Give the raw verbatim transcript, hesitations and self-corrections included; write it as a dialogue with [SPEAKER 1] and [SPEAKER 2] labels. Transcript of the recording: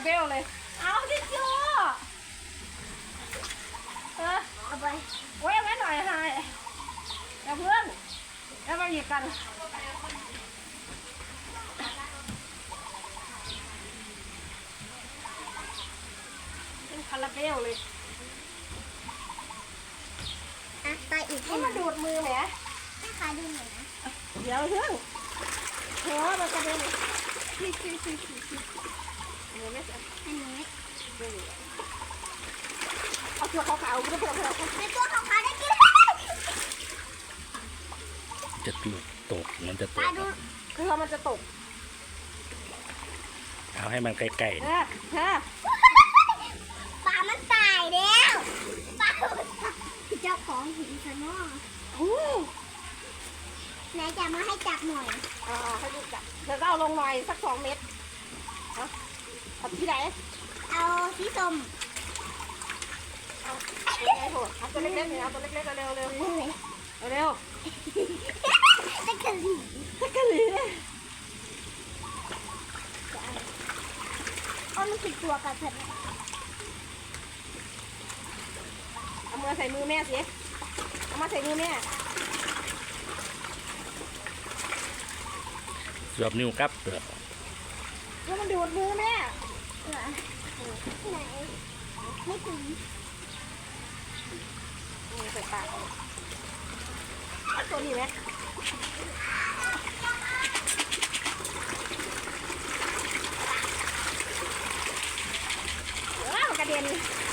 [SPEAKER 1] เบลเลยเอาทิชชู่เออเอาไปไว้ไว้หน่อยให้อย่าเพื่อนแล้วมาหยิบกันเป็นคาราเบลเลย
[SPEAKER 2] อ่ะไปอีก
[SPEAKER 1] นี่มาดูดมือแหม
[SPEAKER 2] แม่ค้าดูหน่อยนะ
[SPEAKER 1] เดี๋ยวเพื่อนโหมันกระเด็นชี้ชี้ชี้ชี้ชี้เห็นไหมจ๊ะ
[SPEAKER 2] อันนี้
[SPEAKER 1] เอาตัวขาวๆก็พอแล้ว
[SPEAKER 2] ในตัวของเขาได้กิน
[SPEAKER 3] จะตกตกมันจะต
[SPEAKER 2] ปลาก ดู
[SPEAKER 1] คือมันจะตก
[SPEAKER 3] เอาให้มันใกล้
[SPEAKER 1] เออฮะ
[SPEAKER 2] ปลามันตายแล้วปลาเจ้าของหินซะเนาะ
[SPEAKER 1] อู้
[SPEAKER 2] ไหนจะมาให้จับหน่อย
[SPEAKER 1] อ่าให้ดูจับเดี๋ยวก็เอาลงหน่อยสักสองเม็ดเอาเอาที่ไหน
[SPEAKER 2] เอาสีส้ม
[SPEAKER 1] เอาไงโหเอาตัวเล็กๆเนี่ยเอาตัวเล็กๆเร็วๆเร็ว
[SPEAKER 2] เฮ้ย
[SPEAKER 1] ๆเร็ว
[SPEAKER 2] ตะกะลี
[SPEAKER 1] ๆตะกะหรี่เนี่ย
[SPEAKER 2] เอามันติดตัวกันเถอะ
[SPEAKER 1] เอามือใส่มือแม่สิเอามาใส่มือแม่
[SPEAKER 3] ๆสวบนิ้วครับเปลือก
[SPEAKER 1] แล้วมันดูดมือแม่
[SPEAKER 2] เหรอไหนไม่ถึง
[SPEAKER 1] มือใส่ปากเอาตัวนี้ไหมว้าวมันกระเด็น